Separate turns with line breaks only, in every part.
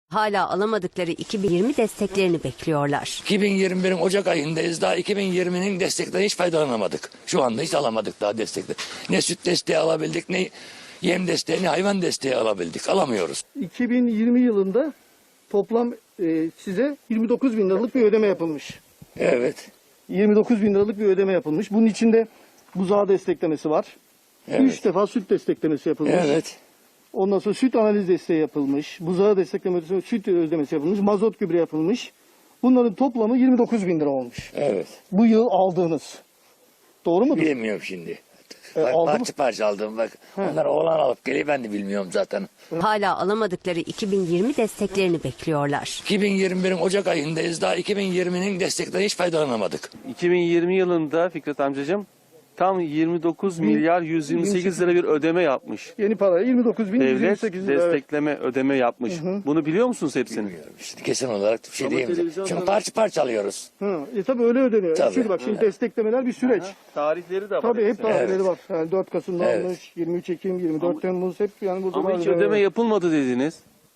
Hala alamadıkları 2020 desteklerini bekliyorlar.
2021'in Ocak ayındayız. Daha 2020'nin desteklerinden hiç faydalanamadık. Şu anda hiç alamadık daha destekleri. Ne süt desteği alabildik, ne yem desteği, ne hayvan desteği alabildik. Alamıyoruz.
2020 yılında toplam size 29 bin liralık bir ödeme yapılmış.
Evet.
29 bin liralık bir ödeme yapılmış. Bunun içinde buzağı desteklemesi var.
Evet.
3 defa süt desteklemesi yapılmış.
Evet.
Ondan sonra süt analiz desteği yapılmış. Buzağı desteklemesi, süt ödemesi yapılmış. Mazot gübre yapılmış. Bunların toplamı 29 bin lira olmuş.
Evet.
Bu yıl aldığınız. Doğru mudur?
Bilmiyorum şimdi.
aldı
Parça parça aldım bak. Onlar oğlan alıp geliyor, ben de bilmiyorum zaten.
Hala alamadıkları 2020 desteklerini bekliyorlar.
2021'in Ocak ayındayız. Daha 2020'nin desteklerinden hiç faydalanamadık.
2020 yılında Fikret amcacığım tam 29 milyar 128 lira bir ödeme yapmış.
Yeni para 29 bin
Devlet
128 lira.
destekleme ödeme yapmış. Bunu biliyor musunuz hepsini?
Bilmiyorum. İşte kesin olarak bir şey
Ama
diyeyim.
televizyonda-
Şimdi parça parça alıyoruz.
Tabii öyle ödeniyor.
Tabii.
Çünkü bak şimdi desteklemeler bir süreç.
Tarihleri de var.
Tabii hep
hepsinin.
tarihleri var. Yani 4 Kasım'da
Evet.
almış, 23 Ekim, 24 Temmuz hep yani burada
Ama
var.
hiç ödeme yapılmadı dediniz.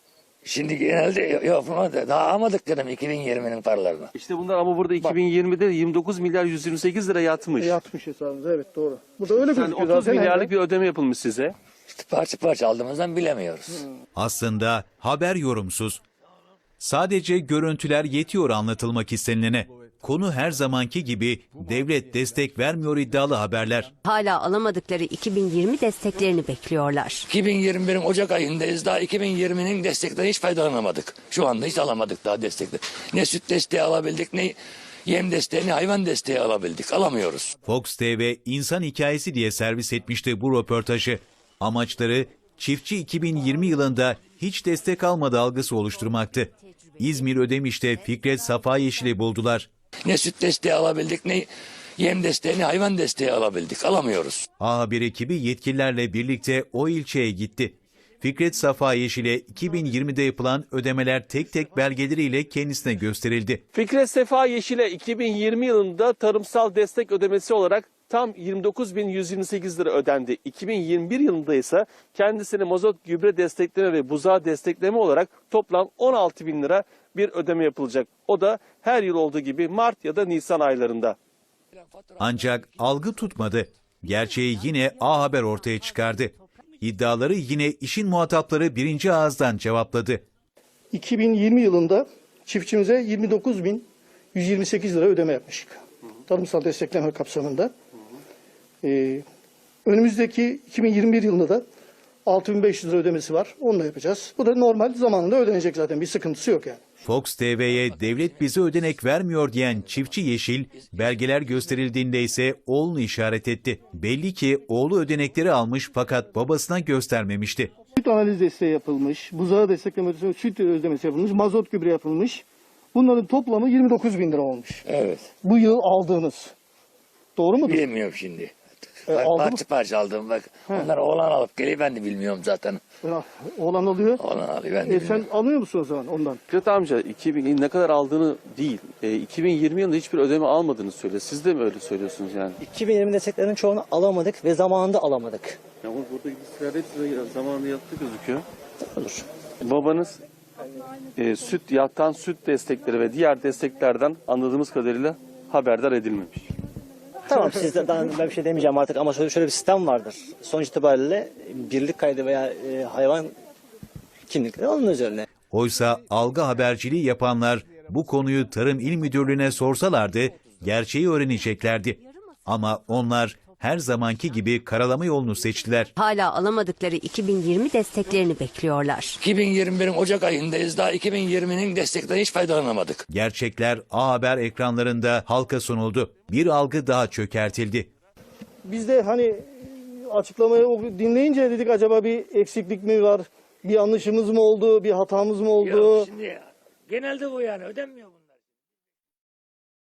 Şimdi genelde yapılmadı. Daha alamadık dedim 2020'nin paralarını.
İşte bunlar ama burada 2020'de 29 milyar 128 lira yatmış.
Yatmış hesabımıza, evet doğru. Burada öyle
Yani
gözüküyor
30
zaten.
milyarlık bir ödeme yapılmış size.
İşte parça parça aldığımızdan bilemiyoruz.
Aslında haber yorumsuz. Sadece görüntüler yetiyor anlatılmak istenilene. Konu her zamanki gibi devlet destek vermiyor iddialı haberler.
Hala alamadıkları 2020 desteklerini bekliyorlar.
2021'in Ocak ayındayız. Daha 2020'nin desteklerinden hiç faydalanamadık. Şu anda hiç alamadık daha destekleri. Ne süt desteği alabildik, ne yem desteği, ne hayvan desteği alabildik. Alamıyoruz.
Fox TV insan hikayesi diye servis etmişti bu röportajı. Amaçları çiftçi 2020 yılında hiç destek almadı algısı oluşturmaktı. İzmir Ödemiş'te Fikret Safa Yeşil'i buldular.
Ne süt desteği alabildik, ne yem desteği, ne hayvan desteği alabildik. Alamıyoruz.
A Haber ekibi yetkililerle birlikte o ilçeye gitti. Fikret Safa Yeşil'e 2020'de yapılan ödemeler tek tek belgeleriyle kendisine gösterildi.
Fikret Sefa Yeşil'e 2020 yılında tarımsal destek ödemesi olarak tam 29.128 lira ödendi. 2021 yılında ise kendisine mazot gübre destekleme ve buzağı destekleme olarak toplam 16 bin lira bir ödeme yapılacak. O da her yıl olduğu gibi Mart ya da Nisan aylarında.
Ancak algı tutmadı. Gerçeği yine A Haber ortaya çıkardı. İddiaları yine işin muhatapları birinci ağızdan cevapladı.
2020 yılında çiftçimize 29.128 lira ödeme yapmıştık. Tarımsal destekleme kapsamında. Önümüzdeki 2021 yılında da 6.500 lira ödemesi var. Onu da yapacağız. Bu da normal zamanında ödenecek zaten. Bir sıkıntısı yok yani.
Fox TV'ye devlet bize ödenek vermiyor diyen çiftçi Yeşil, belgeler gösterildiğinde ise oğlunu işaret etti. Belli ki oğlu ödenekleri almış fakat babasına göstermemişti.
Süt analiz desteği yapılmış, buzağı desteklemesi, süt ödemesi yapılmış, mazot gübre yapılmış. Bunların toplamı 29 bin lira olmuş.
Evet.
Bu yıl aldığınız. Doğru mudur?
Bilmiyorum şimdi.
aldı mı?
Parça parça aldım bak. Onlar oğlan alıp geliyor, ben de bilmiyorum zaten.
Oğlan alıyor.
Oğlan alıyor, ben de
Sen
bilmiyorum.
almıyor musun o zaman ondan?
Fikret amca 2000 ne kadar aldığını değil, 2020 yılında hiçbir ödeme almadığını söylüyor. Siz de mi öyle söylüyorsunuz yani?
2020 desteklerinin çoğunu alamadık ve zamanında alamadık.
Ama buradaki listeler hepsi zamanında yattı gözüküyor.
Olur.
Babanız süt, yattan süt destekleri ve diğer desteklerden anladığımız kadarıyla haberdar edilmemiş.
Tamam sizden ben bir şey demeyeceğim artık ama şöyle bir sistem vardır. Sonuç itibariyle birlik kaydı veya hayvan kimlikleri onun üzerine.
Oysa algı haberciliği yapanlar bu konuyu Tarım İl Müdürlüğü'ne sorsalardı gerçeği öğreneceklerdi. Ama onlar her zamanki gibi karalama yolunu seçtiler.
Hala alamadıkları 2020 desteklerini bekliyorlar.
2021'in Ocak ayındayız. Daha 2020'nin desteklerinden hiç faydalanamadık.
Gerçekler A Haber ekranlarında halka sunuldu. Bir algı daha çökertildi.
Biz de hani açıklamayı dinleyince dedik acaba bir eksiklik mi var? Bir yanlışımız mı oldu? Bir hatamız mı oldu?
Şimdi genelde bu yani, ödenmiyor bunlar.